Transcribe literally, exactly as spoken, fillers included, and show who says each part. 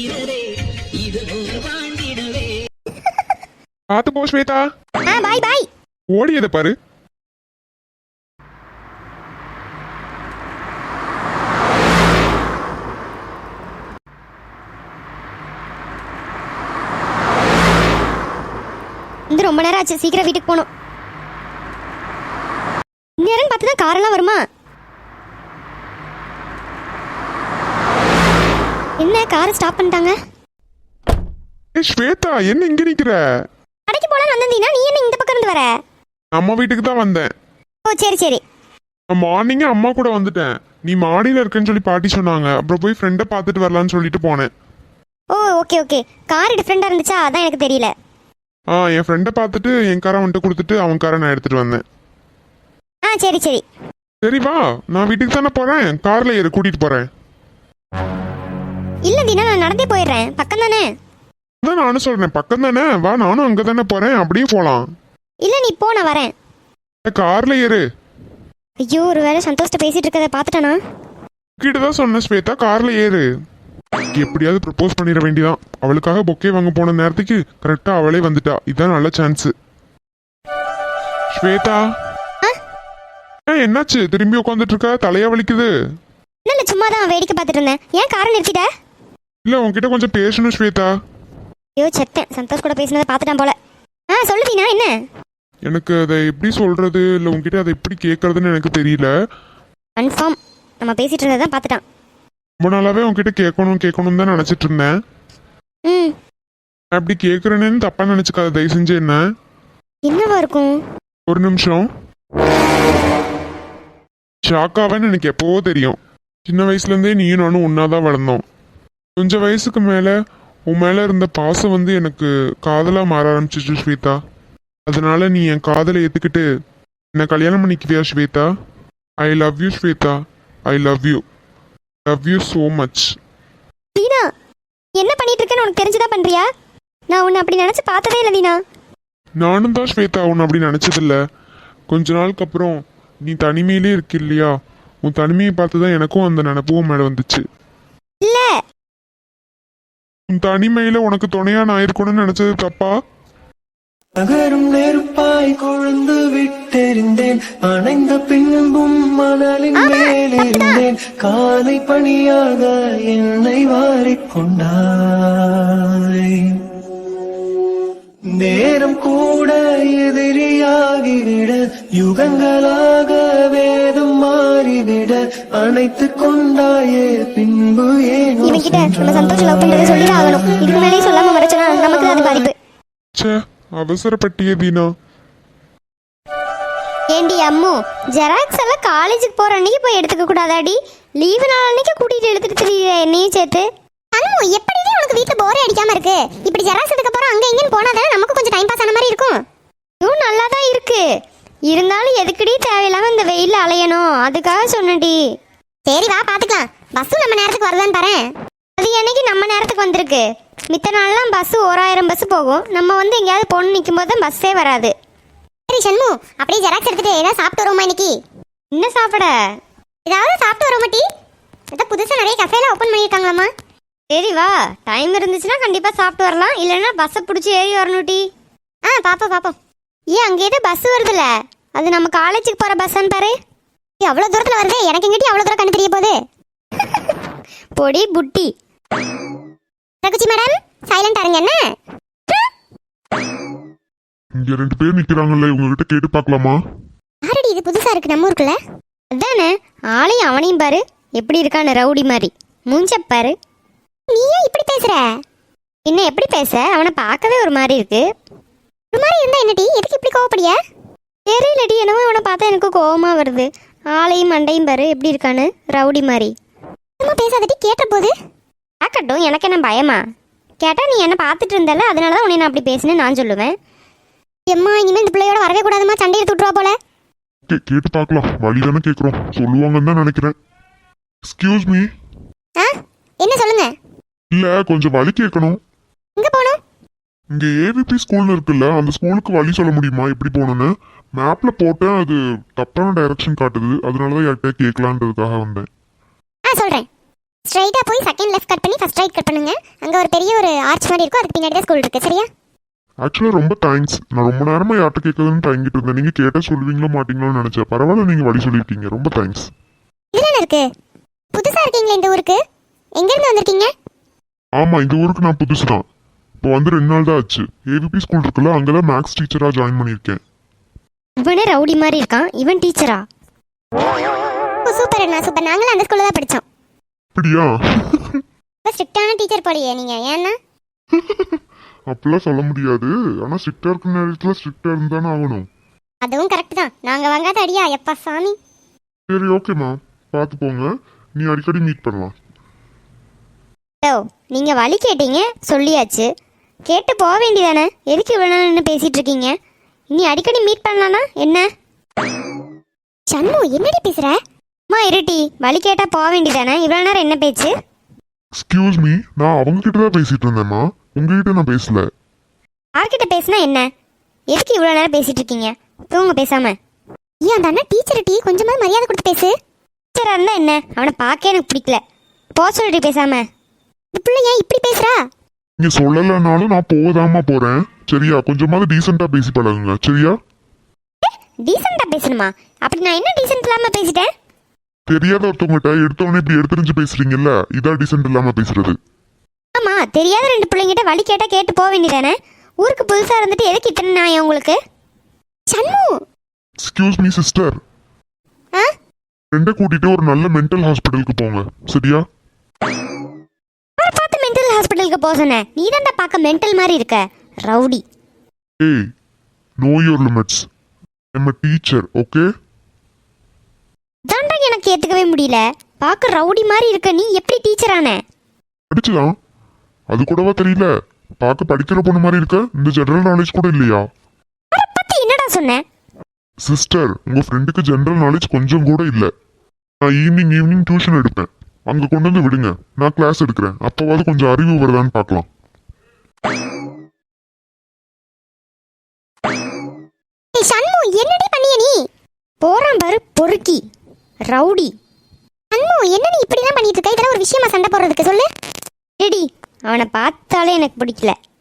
Speaker 1: பாத்து போ ஸ்வேதா.
Speaker 2: ஆ பாய் பாய்.
Speaker 1: ஓடியத பாரு.
Speaker 2: இந்த ரொம்ப நேரம் ஆச்சு, சீக்கிரம் வீட்டுக்கு போகணும். நேரம் பார்த்து தான் காரெல்லாம் வருமா? என்ன காரை ஸ்டாப் பண்ணிட்டாங்க?
Speaker 1: ஏய் ஸ்வேதா, என்ன இங்க நிக்கிற?
Speaker 2: கடைக்கு போலான்னு வந்தீனா, நீ என்ன இந்த பக்கம் இருந்து வர?
Speaker 1: அம்மா வீட்டுக்கு தான் வந்தேன்.
Speaker 2: ஓ சரி சரி.
Speaker 1: மார்னிங்கே அம்மா கூட வந்துட்டேன். நீ மாடியில இருக்கேன்னு சொல்லி பாட்டி சொன்னாங்க. அப்புறம் போய் ஃப்ரெண்டை பார்த்துட்டு வரலான்னு சொல்லிட்டு போனேன்.
Speaker 2: ஓ ஓகே ஓகே. கார் டிஃப்ரெண்டா இருந்துச்சா, அதான் எனக்கு தெரியல.
Speaker 1: ஆ என் ஃப்ரெண்டை பார்த்துட்டு என் காரை வந்துட்டு கொடுத்துட்டு அவன் காரை நான் எடுத்துட்டு வந்தேன்.
Speaker 2: ஆ சரி சரி.
Speaker 1: சரி வா, நான் வீட்டுக்கு தானே போறேன். கார்ல ஏறு, கூட்டிட்டு போறேன்.
Speaker 2: இல்ல தீனா, நான் நடந்தே போயிடுறேன், பக்கம் தானே.
Speaker 1: அதான் நானும் சொல்றேன், பக்கம் தானே, வா நானும் அங்க தானே போறேன், அப்படியே போலாம்.
Speaker 2: இல்ல நீ போ, நான் வரேன்.
Speaker 1: கார்ல ஏறு.
Speaker 2: ஐயோ, ஒரு வேளை சந்தோஷ்ட பேசிட்டு இருக்கதை பார்த்துட்டானா?
Speaker 1: கிட்டதான் சொன்ன ஸ்வேதா, கார்ல ஏறு. எப்படியாவது ப்ரப்போஸ் பண்ணிட வேண்டியதான். அவளுக்காக பொக்கே வாங்க போன நேரத்துக்கு கரெக்டா அவளே வந்துட்டா. இதான் நல்ல சான்ஸ். ஸ்வேதா, என்னாச்சு? திரும்பி உட்காந்துட்டு இருக்க, தலையா வலிக்குது.
Speaker 2: இல்ல சும்மா தான் வேடிக்கை பார்த்துட்டு இருந்தேன். ஏன் காரை நிறுத்திட்ட?
Speaker 1: இல்ல உன்கிட்ட கொஞ்சம் பேசணும் ஸ்வேதா.
Speaker 2: ஐயோ செத்தேன், சந்தோஷ் கூட பேசினதை பார்த்துட்டான் போல. ஆ சொல்லு தீனா, என்ன?
Speaker 1: எனக்கு அதை எப்படி சொல்றது, இல்ல உன்கிட்ட அதை எப்படி கேட்கறதுன்னு எனக்கு தெரியல.
Speaker 2: கன்ஃபார்ம் நம்ம பேசிட்டு இருந்ததை தான் பார்த்துட்டான்.
Speaker 1: ரொம்ப நாளாவே உன்கிட்ட கேட்கணும் கேட்கணும் தான் நினைச்சிட்டு இருந்தேன்.
Speaker 2: ம்
Speaker 1: அப்படி கேட்கறேன்னு தப்பா நினைச்சுக்காத, தயவு செஞ்சு. என்ன
Speaker 2: என்னவா இருக்கும்?
Speaker 1: ஒரு நிமிஷம். ஷாக்காவேன்னு எனக்கு எப்பவோ தெரியும். சின்ன வயசுல இருந்தே நீயும் நானும் ஒன்னாதான் வளர்ந்தோம். கொஞ்சம் வயசுக்கு மேல உன் மேல இருந்த பாசம் வந்து எனக்கு காதலா மாற ஆரம்பிச்சிச்சு ஸ்வேதா. அதனால நீ என் காதலை ஏத்துக்கிட்டு என்ன கல்யாணம் பண்ணிக்குவியா Swetha? I love you Swetha. I love you. Love you so much.
Speaker 2: Deena, என்ன பண்ணிட்டு இருக்கேன்னு உனக்கு தெரிஞ்சுதான் பண்றியா? நான் உன்னை அப்படி நினைச்சு பார்த்ததே இல்லை தீனா.
Speaker 1: நானும் தான் ஸ்வேதா உன்னை அப்படி நினைச்சதில்ல. கொஞ்ச நாளுக்கு அப்புறம் நீ தனிமையிலே இருக்கு இல்லையா, உன் தனிமையை பார்த்துதான் எனக்கும் அந்த நினைப்பும் மேல வந்துச்சு.
Speaker 2: இல்ல,
Speaker 1: உன் தனிமையில உனக்கு துணையா நான் இருக்கணும்னு நினைச்சது தப்பா?
Speaker 3: நகரும் நெருப்பாய் கொழுந்து விட்டெறிந்தேன், அணைந்த பின்பும் மணலின் மேலிருந்தேன், காலை பணியாக என்னை வாரிக்கொண்டாய். நேரம் கூட எதிரியாகிவிட, யுகங்களாக வேதம் மாறிவிட, அணைத்து கொண்டாயே பின்பு ஏனோ.
Speaker 2: இவன்கிட்ட நம்ம சந்தோஷம் லவ் பண்றதை சொல்லிதான் ஆகணும். இதுக்கு மேலேயே சொல்லாம மறைச்சனா நமக்கு அது பாதிப்பு.
Speaker 1: ச்சே, அவசரப்பட்டியே தீனா.
Speaker 2: ஏண்டி அம்மு, ஜெராக்ஸ் எல்லாம் காலேஜுக்கு போற அன்னைக்கு போய் எடுத்துக்க கூடாதாடி? லீவு நாள் அன்னைக்கு கூட்டிட்டு எடுத்துட்டு தெரியல என்னையும் சேர்த்து. அம்மு, எப்படி உனக்கு வீட்டுல போரே அடிக்காம இருக்கு? இப்படி ஜெராக்ஸ் எடுக்க போறோம் அங்க இங்கன்னு போனாதானே நமக்கு கொஞ்சம் டைம் பாஸ் ஆன மாதிரி இருக்கும். இதுவும் நல்லா தான் இருக்கு. இருந்தாலும் எதுக்குடி தேவையில்லாம இந்த வெயில அலையணும், அதுக்காக சொன்னடி. சரி வா பாத்துக்கலாம். பஸ் நம்ம நேரத்துக்கு வருதான்னு பாரு. அது என்னைக்கு நம்ம நேரத்துக்கு வந்திருக்கு? மித்த நாள்லாம் பஸ் ஓராயிரம் பஸ் போகும். நம்ம வந்து எங்கேயாவது பொண்ணு நிற்கும் போது தான் பஸ்ஸே வராது. சரி சண்மு, அப்படியே ஜெராக்ஸ் எடுத்துட்டு ஏதாவது சாப்பிட்டு வருவோமா இன்னைக்கு? என்ன சாப்பிட? ஏதாவது சாப்பிட்டு வருவோமா டி? அதான் புதுசாக நிறைய கஃபேல ஓப்பன் பண்ணியிருக்காங்களாமா. சரி வா, டைம் இருந்துச்சுன்னா கண்டிப்பாக சாப்பிட்டு வரலாம். இல்லைன்னா பஸ்ஸை பிடிச்சி ஏறி வரணும் டி. ஆ பாப்போம் பாப்போம். ஏன் அங்கே ஏதோ பஸ் வருதுல்ல, அது நம்ம காலேஜுக்கு போகிற பஸ்ஸான்னு பாரு. அவ்வளோ தூரத்தில் வருது, எனக்கு எங்கிட்ட அவ்வளோ தூரம் கண்டு தெரிய போகுது. பொடி புட்டி. ரகுச்சி மேடம், சைலண்டா இருங்க. என்ன
Speaker 1: இங்க ரெண்டு பேர் நிக்கிறாங்கல்ல, உங்ககிட்ட கேட்டு பார்க்கலாமா?
Speaker 2: ஆரடி, இது புதுசா இருக்கு நம்ம ஊருக்குள்ள. அதானே, ஆளையும் அவனையும் பாரு எப்படி இருக்கான்னு, ரவுடி மாதிரி. மூஞ்ச பாரு. நீ ஏன் இப்படி பேசுற? என்ன எப்படி பேச? அவனை பார்க்கவே ஒரு மாதிரி இருக்கு. ஒரு மாதிரி இருந்தா என்னடி, எதுக்கு இப்படி கோவப்படியா? தெரியலடி, என்னவோ அவனை பார்த்தா எனக்கு கோவமா வருது. ஆளையும் மண்டையும் பாரு எப்படி இருக்கான்னு, ரவுடி மாதிரி. நம்ம பேசாதடி, கேட்ட போது கேட்கட்டும், எனக்கு என்ன பயமா? கேட்டா நீ என்ன பார்த்துட்டு இருந்தால, அதனால தான் உன்னை நான் அப்படி பேசுனேன்னு நான் சொல்லுவேன். எம்மா, இனிமேல் இந்த பிள்ளையோட வரவே கூடாதுமா, சண்டையை துட்டுருவா போல.
Speaker 1: கேட்டு பார்க்கலாம், வழி தானே கேட்குறோம், சொல்லுவாங்கன்னு தான் நினைக்கிறேன். Excuse me.
Speaker 2: ஆ என்ன சொல்லுங்க?
Speaker 1: இல்ல, கொஞ்சம் வழி கேட்கணும்.
Speaker 2: எங்க போகணும்?
Speaker 1: இங்க ஏவிபி ஸ்கூல்னு இருக்குல்ல, அந்த ஸ்கூலுக்கு வழி சொல்ல முடியுமா எப்படி போகணும்னு? மேப்ல போட்டேன், அது தப்பான டைரக்ஷன் காட்டுது. அதனாலதான் யார்கிட்ட கேட்கலான்றதுக்காக வந்தேன்.
Speaker 2: ஆ சொல்றேன். ஸ்ட்ரைட்டா போய் செகண்ட் லெஃப்ட் கட் பண்ணி ஃபர்ஸ்ட் ரைட் கட் பண்ணுங்க. அங்க ஒரு பெரிய ஒரு ஆர்ச் மாதிரி இருக்கும். அதுக்கு பின்னாடி தான் ஸ்கூல் இருக்கு. சரியா?
Speaker 1: ஆக்சுவலாக ரொம்ப தேங்க்ஸ். நான் ரொம்ப நேரமாக யார்கிட்ட கேட்குறதுன்னு தயங்கிட்டு இருந்தேன். நீங்கள் கேட்டால் சொல்லுவீங்களோ மாட்டீங்களோன்னு நினச்சேன். பரவாயில்ல, நீங்கள் வழி சொல்லியிருக்கீங்க. ரொம்ப தேங்க்ஸ்.
Speaker 2: இதுல என்ன இருக்கு? புதுசா இருக்கீங்களா இந்த ஊருக்கு? எங்க இருந்து வந்திருக்கீங்க?
Speaker 1: ஆமாம், இந்த ஊருக்கு நான் புதுசு தான். இப்போ வந்து ரெண்டு நாள் தான் ஆச்சு. ஏவிபி ஸ்கூல் இருக்குல்ல, அங்கே தான் மேக்ஸ் டீச்சராக ஜாயின் பண்ணியிருக்கேன்.
Speaker 2: இவனே ரவுடி மாதிரி இருக்கான். இவன் டீச்சரா? சூப்பர் அண்ணா, சூப்பர். நாங்களும் அந்த ஸ்கூல்ல தான் படிச்சோம்.
Speaker 1: அப்படியா?
Speaker 2: ஸ்ட்ரிக்டான டீச்சர் போலியே நீங்க. ஏன்னா
Speaker 1: அப்படிலாம் சொல்ல முடியாது. ஆனால் ஸ்ட்ரிக்டாக இருக்கிற நேரத்தில் ஸ்ட்ரிக்டாக இருந்தானே ஆகணும்.
Speaker 2: அதுவும் கரெக்ட் தான். நாங்க வாங்காத அடியா எப்பா சாமி.
Speaker 1: சரி, ஓகேம்மா, பார்த்து போங்க. நீ அடிக்கடி மீட் பண்ணலாம்.
Speaker 2: ஓ, நீங்க வழி கேட்டீங்க, சொல்லியாச்சு. கேட்டு போக வேண்டியதானே? எதுக்கு இவ்வளோ நேரம் நின்று பேசிட்டு இருக்கீங்க? இனி அடிக்கடி மீட் பண்ணலானா என்ன? சண்மு, என்னடி பேசுற? அம்மா இருட்டி, வழி கேட்டா போக வேண்டியதானே? இவ்வளோ நேரம் என்ன பேச்சு?
Speaker 1: எக்ஸ்கியூஸ் மீ, நான் அவங்க கிட்ட தான் பேசிட்டு இருந்தேம்மா, உங்ககிட்ட நான் பேசல.
Speaker 2: யார்கிட்ட பேசினா என்ன? எதுக்கு இவ்வளோ நேரம் பேசிட்டு இருக்கீங்க? தூங்க பேசாம. ஏன் அந்த அண்ணா டீச்சர் டீ கொஞ்சமா மரியாதை கொடுத்து பேசு. டீச்சரா இருந்தா என்ன? அவனை பார்க்க எனக்கு பிடிக்கல. போ சொல்லிட்டு பேசாம. இந்த பிள்ளை ஏன் இப்படி பேசுறா?
Speaker 1: நீங்க சொல்லலைனாலும் நான் போதாமா போறேன். சரியா? கொஞ்சமாவது டீசெண்டா பேசி பழகுங்க. சரியா?
Speaker 2: டீசெண்டா பேசணுமா? அப்படி நான் என்ன டீசென்ட் இல்லாம பேசிட்டேன்?
Speaker 1: தெரியாத ஒருத்தவங்ககிட்ட எடுத்தவொடனே இப்படி எடுத்துரிஞ்சு பேசுறீங்கல்ல, இதான் டீசென்ட் இல்லாம பேசுறது.
Speaker 2: ஆமா, தெரியாத ரெண்டு பிள்ளைங்கிட்ட வழி கேட்டா கேட்டு போக வேண்டியதானே? ஊருக்கு புதுசா இருந்துட்டு எதுக்கு இத்தனை நியாயம் உங்களுக்கு? சண்மு,
Speaker 1: எக்ஸ்கியூஸ் மீ சிஸ்டர்,
Speaker 2: ஆ
Speaker 1: ரெண்டை கூட்டிட்டு ஒரு நல்ல மென்டல் ஹாஸ்பிட்டலுக்கு போங்க. சரியா?
Speaker 2: அவரை பார்த்து மென்டல் ஹாஸ்பிட்டலுக்கு போக சொன்னேன். நீ தான்டா பார்க்க மென்டல் மாதிரி இருக்க, ரவுடி.
Speaker 1: ஏய், know your limits. I am a teacher, okay?
Speaker 2: தாண்டா எனக்கு ஏத்துக்கவே முடியல. பார்க்க ரவுடி மாதிரி இருக்க நீ எப்படி டீச்சர் ஆன?
Speaker 1: படிச்சுதான், அது கூடவா தெரியல? பார்க்க படிக்கிற பொண்ணு மாதிரி இருக்க. இந்த ஜெனரல் நாலேஜ் கூட இல்லையா?
Speaker 2: அவரை பத்தி என்னடா சொன்ன?
Speaker 1: சிஸ்டர், உங்க ஃப்ரெண்டுக்கு ஜெனரல் நாலேஜ் கொஞ்சம் கூட இல்லை. நான் ஈவினிங் ஈவினிங் டியூஷன் எடுப்பேன். அங்க கொண்டு வந்து விடுங்க, நான் கிளாஸ் எடுக்கிறேன். அப்பவாவது கொஞ்சம் அறிவு வருதான்னு பார்க்கலாம்.
Speaker 2: ஏய் சண்மு, என்னடி பண்ணிய நீ? போறான் பாரு பொறுக்கி, ரவுடி. சண்மு, என்ன நீ இப்படி தான் பண்ணிட்டு இருக்க? இதெல்லாம் ஒரு விஷயமா சண்டை போடுறதுக்கு? சொல்லு. ரெடி, அவனை பார்த்தாலே எனக்கு பிடிக்கல.